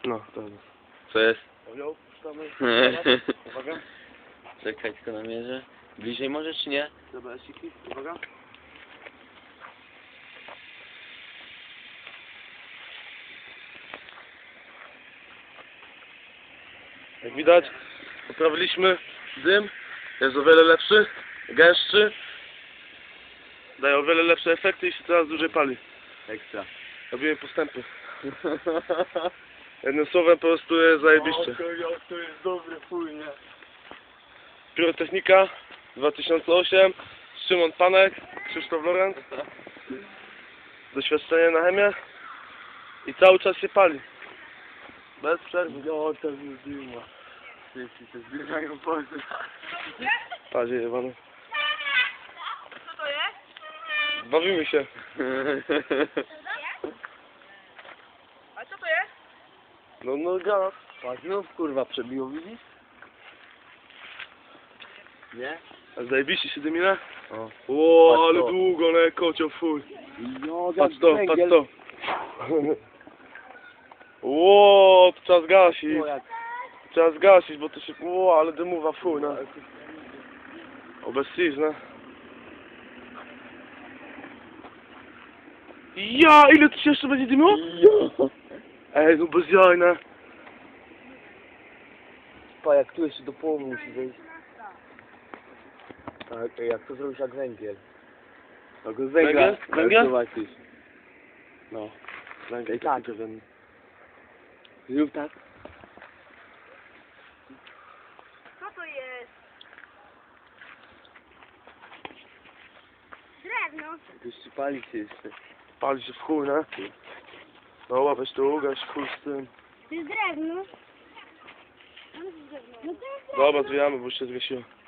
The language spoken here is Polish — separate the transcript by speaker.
Speaker 1: No, dobra.
Speaker 2: Co jest?
Speaker 1: Ojo, puszczamy. Uwaga.
Speaker 2: Czekaj, tylko namierzę. Bliżej może, czy nie?
Speaker 1: Dobra, siki. Uwaga. Jak widać, poprawiliśmy dym. Jest o wiele lepszy, gęstszy. Daje o wiele lepsze efekty i się coraz dłużej pali.
Speaker 2: Ekstra.
Speaker 1: Robimy postępy. Jednym słowem po prostu jest zajebiście.
Speaker 2: To jest dobry chuj, nie?
Speaker 1: Pirotechnika 2008, Szymon Panek, Krzysztof Lorenz. Doświadczenie na chemię. I cały czas się pali. Bez przerwy.
Speaker 2: Jo, to już dyma. Wszyscy się zbierają pozy.
Speaker 1: Padzie jebany.
Speaker 3: Co to jest?
Speaker 1: Bawimy się.
Speaker 3: A co to jest?
Speaker 1: No gaz.
Speaker 2: Patrz, znów kurwa przebiło, widzisz? Nie?
Speaker 1: A zajebiście się dymina?
Speaker 2: O.
Speaker 1: Ło,
Speaker 2: Patrz
Speaker 1: ale
Speaker 2: to.
Speaker 1: długo, ale kocioł fuj.
Speaker 2: Jo,
Speaker 1: Patrz to, patrz to. Ło, to trzeba zgasić. Trzeba zgasić, bo to się... Ło, ale dymowa fuj, no. O, bez cis, no. Ja, ile tu się jeszcze będzie dymiło?
Speaker 2: Jo.
Speaker 1: Ej, no bez jaj, no.
Speaker 2: Pa, jak tu jeszcze do połowy musi wejść. Tak, jak to zrobisz jak węgiel. No go
Speaker 1: Węgiel? Węgiel?
Speaker 2: Zobaczysz.
Speaker 1: No. Węgiel,
Speaker 2: Tak.
Speaker 1: taki ten.
Speaker 2: Zrób tak.
Speaker 3: Co to jest? Drewno.
Speaker 2: Jeszcze pali się jeszcze.
Speaker 1: Pali się w chuj, no. No, weź to ugaś, chuj z tym.
Speaker 3: To jest drewno. No to jest drewno.
Speaker 1: Dobra, zwijamy, bo już się zgasiło.